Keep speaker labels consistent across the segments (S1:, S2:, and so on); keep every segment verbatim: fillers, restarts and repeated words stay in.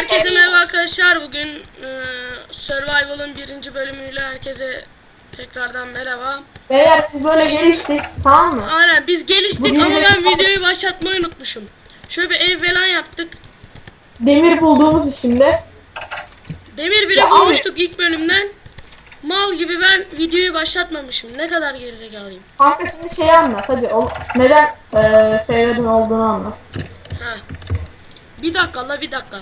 S1: Herkese merhaba arkadaşlar. Bugün e, Survival'ın birinci bölümüyle herkese tekrardan merhaba.
S2: Beyler siz böyle geliştik, tamam mı?
S1: Aynen biz geliştik
S2: Bugün
S1: ama ben
S2: de-
S1: videoyu başlatmayı unutmuşum. Şöyle bir ev falan yaptık.
S2: Demir bulduğumuz için de.
S1: Demir bile
S2: Ya
S1: bulmuştuk ilk bölümden. Mal gibi ben videoyu başlatmamışım. Ne kadar gerizekalıyım.
S2: Kanka şimdi şey anlat hadi. O, neden eee seviyordun olduğunu anlat.
S1: Ha. Bir dakika la bir dakika.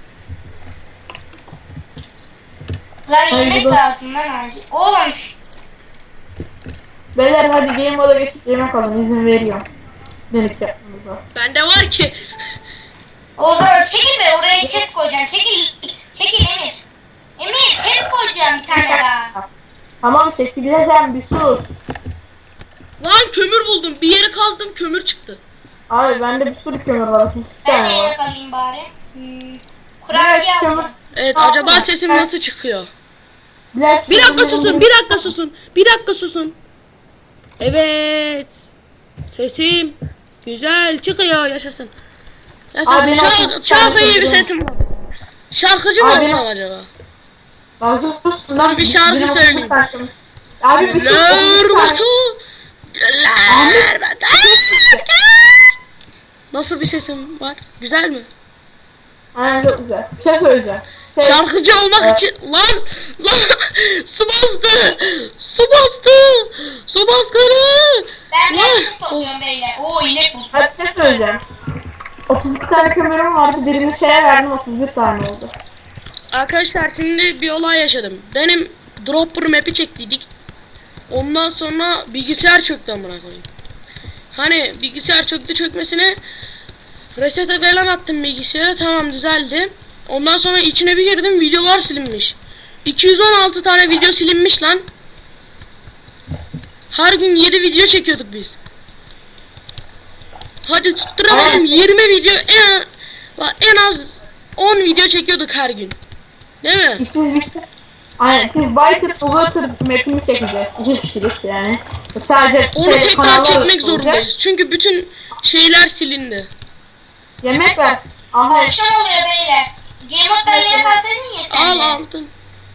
S3: Lan yemek
S2: Haydi bak.
S3: lazım lan acil. Oğlum şş,
S2: Beyler hadi game moda geçip yemek alın, izin veriyorum. Denik yapmamıza.
S1: Bende var ki.
S3: o zaman çekil be, oraya chest koyacaksın. Çekil. Çekil Emir. Emir chest koyacağım bir tane daha.
S2: Tamam çekileceğim, bir sus.
S1: Lan kömür buldum. Bir yeri kazdım kömür çıktı.
S2: Abi bende bir sürü kömür var. iki
S3: Ben
S2: tane
S3: de
S2: var.
S3: yemek alayım bari. Hmm. Kurabiye
S2: kömür-
S3: alacağım.
S1: Evet
S2: Tamam.
S1: acaba sesim nasıl çıkıyor?
S2: Black
S1: Bir dakika
S2: Season'ın-
S1: susun, bir dakika susun, bir dakika susun. Evet, sesim güzel çıkıyor, yaşasın. Yaşasın,
S2: Abi,
S1: çok,
S2: nasıl-
S1: çok iyi bir
S2: Abi,
S1: sesim var. Şarkıcı mı
S2: Abi,
S1: olsam acaba?
S2: Bak sus lan.
S1: bir şarkı
S2: Benim
S1: söyleyeyim.
S2: saçım. Abi bir sus.
S1: Güller
S2: bir
S1: batı,
S2: tane-
S1: güller batı. Nasıl bir sesim var? Güzel mi?
S2: Aynen çok güzel. Bir şey söyleyeceğim. Şey,
S1: Şarkıcı olmak
S2: Evet.
S1: için lan lan su bastı, su bastı, su baskını.
S3: Ben
S1: Lan.
S3: de topluyorum beyler. Oo inek buldum.
S2: hadi bir şey söyleyeceğim. otuz iki tane kömürüm vardı. Birini şeye verdim, otuz bir tane oldu.
S1: Arkadaşlar şimdi bir olay yaşadım. Benim dropper map'i çektiydik. Ondan sonra bilgisayar çöktü amına koyayım. Hani bilgisayar çöktü çökmesine reset'e falan attım bilgisayara, tamam düzeldi. Ondan sonra içine bir girdim, videolar silinmiş. iki yüz on altı tane video silinmiş lan. Her gün yedi video çekiyorduk biz. Hadi tutturamadım,
S2: Evet.
S1: yirmi video en, en az on video çekiyorduk her gün. Değil mi?
S2: Siz bir Aynen siz Biker Overter map'ini çekeceğiz. İki kişilik yani. Sadece
S1: Onu
S2: şey,
S1: tekrar
S2: kanallar
S1: çekmek
S2: olacak.
S1: zorundayız. Çünkü bütün şeyler silindi.
S2: Yemek ver. Ahmet.
S3: Akşam oluyor beyler. Game mode'dan yemek alsaydın ya sen
S1: Al
S3: de.
S1: aldım.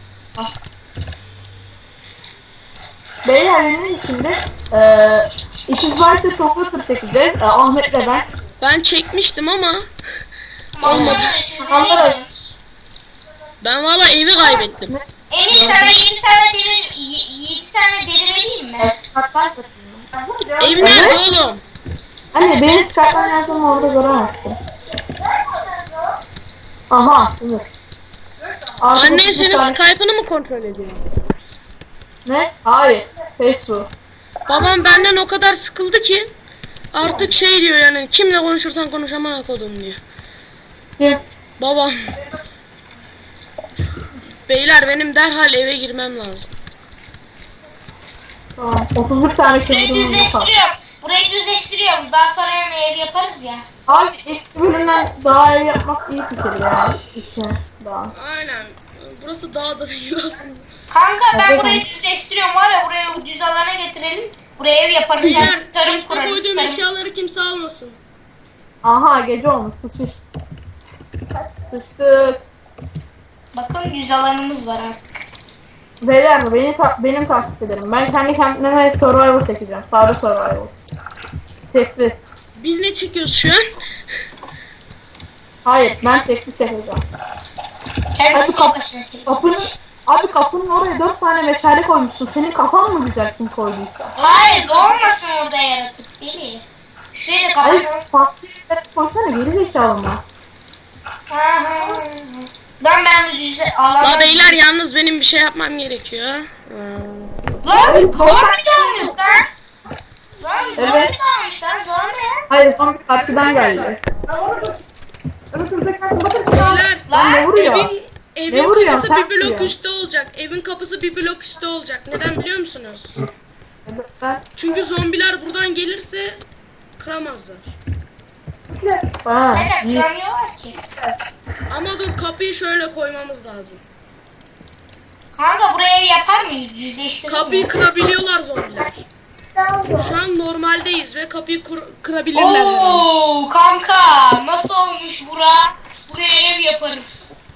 S2: Beyler benim şimdi eee İkiz Biker Overter çekeceğiz. Ee, Ahmet'le ben.
S1: Ben çekmiştim ama
S3: Akşam
S1: olmadı.
S3: oluyor, siz
S2: Kanallar
S3: nereye
S2: olacak.
S3: gidiyorsunuz?
S1: Ben valla evi kaybettim.
S3: Emir sana yedi tane demir, yedi tane deri vereyim mi?
S2: Evet, Skype'dan katılıyorum.
S1: Ev nerede oğlum?
S2: Anne benim Skype'dan yazdığımı orada göremezsin. Aha, dur. Artık
S1: Annen
S2: otuz
S1: senin
S2: tane-
S1: Skype'ını mı kontrol ediyor?
S2: Ne? Hayır. Facebook.
S1: Babam benden o kadar sıkıldı ki artık şey diyor, yani kimle konuşursan konuş amına kodum diyor.
S2: Kim?
S1: Babam. Beyler benim derhal eve girmem lazım.
S2: Tamam. otuz bir tane
S3: Burayı
S2: kömürüm var.
S3: düzleştiriyorum. Burayı düzleştiriyorum. Daha sonra ev yaparız ya.
S2: Abi ilk bölümden daha ev yapmak iyi fikir ya. İşte daha.
S1: Aynen. Burası dağ da değil aslında.
S3: Kanka ben
S2: Evet.
S3: burayı düzleştiriyorum var ya, burayı düz alana getirelim. Buraya ev yaparız ya.
S1: Beyler
S3: Tarım
S1: taşta
S3: kurarız.
S1: koyduğum
S3: Tarım.
S1: eşyaları kimse almasın.
S2: Aha gece olmuş. Sıçış. Sıçtık.
S3: Bakın düz alanımız var artık.
S2: Beyler mi? Beni ta benim takip ederim. Ben kendi kendime survival çekeceğim. Sade survival. Tekli.
S1: Biz ne çekiyoruz şu an?
S2: Hayır ben tekli çekeceğim.
S3: Kendisi
S2: kap-
S3: başına çek.
S2: Kapının, abi kapının oraya dört tane meşale koymuşsun. Senin kafan mı güzel kim koyduysa?
S3: Hayır doğmasın orada yaratık deli. Şurayı da
S2: Hayır
S3: kapatalım.
S2: farklı yerlere koysana, geri zekalı mı?
S3: Ha, ha, ha. Lan ben bu düz alanı...
S1: La beyler yalnız benim bir şey yapmam gerekiyor. Ee,
S3: Lan zombi dalmış lan. Lan zombi
S2: Evet.
S3: dalmış lan, zombi.
S2: Hayır son karşıdan geldi.
S1: Beyler
S2: Lan ne vuruyor?
S1: evin, evin
S2: Ne vuruyor?
S1: kapısı
S2: Sen
S1: bir blok
S2: vuruyor.
S1: üstte olacak. Evin kapısı bir blok üstte olacak. Neden biliyor musunuz?
S2: Ben,
S1: Çünkü zombiler buradan gelirse kıramazlar.
S2: ha,
S3: Zaten
S2: iyi.
S3: kıramıyorlar ki.
S1: Ama dur, kapıyı şöyle koymamız lazım.
S3: Kanka buraya ev yapar mıyız? Düzleştirelim
S1: Kapıyı
S3: mi?
S1: kırabiliyorlar zombiler. Şu an normaldeyiz ve kapıyı kur- kırabilirler.
S3: Oo kanka nasıl olmuş bura? Buraya ev yaparız.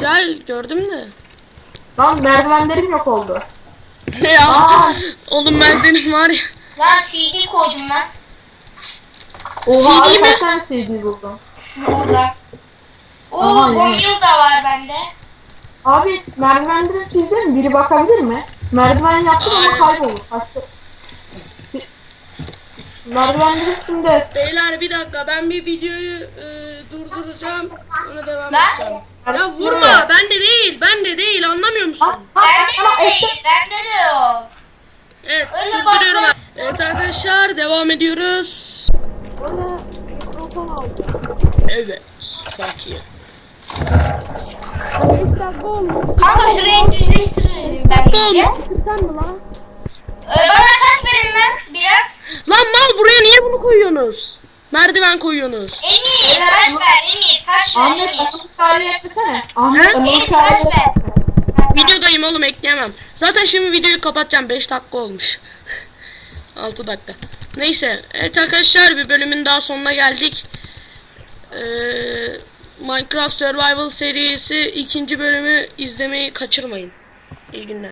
S1: Gel gördüm de.
S2: Lan merdivenlerim yok oldu.
S1: Ne ya?
S2: Aa.
S1: Oğlum ben senin var ya.
S3: Lan C D koydum ben.
S2: Oha
S1: C D
S2: abi
S1: mi?
S2: kaç tane C D buldum.
S3: Orada. Oo
S2: Aha, yani.
S3: Gomil da var bende.
S2: Abi merdivenlerin sizde mi? Biri bakabilir mi? Merdiven yaptım ama
S1: Ay.
S2: kayboldu. Kaçtı. Si- Merdivenlerin üstünde.
S1: Beyler bir dakika ben bir videoyu e, durduracağım. Ona devam
S3: Lan.
S1: edeceğim. Ya vurma ben de değil ben de değil anlamıyor musun?
S2: Ha, ha,
S3: Bende
S2: ha,
S3: de
S2: işte.
S3: değil. Bende de yok.
S1: Evet
S3: Öyle
S1: durduruyorum.
S3: bak.
S1: Evet arkadaşlar devam ediyoruz. Evet sakin.
S3: Kanka şurayı düzleştiririz ben iyice. Ee, bana taş verin lan biraz.
S1: Lan mal buraya niye bunu koyuyorsunuz? Merdiven koyuyorsunuz.
S3: Emir taş ver Emir taş ver
S2: Ahmet
S3: Emir.
S2: Anıl Çağrı'yı eklesene. Ahmet
S1: He?
S2: Anıl
S3: Emir taş
S2: Çağrı'yı
S3: ver. Ha, tamam.
S1: Videodayım oğlum ekleyemem. Zaten şimdi videoyu kapatacağım. beş dakika olmuş. altı dakika. Neyse. Evet arkadaşlar bir bölümün daha sonuna geldik. Ee, Minecraft Survival serisi ikinci bölümü izlemeyi kaçırmayın. İyi günler.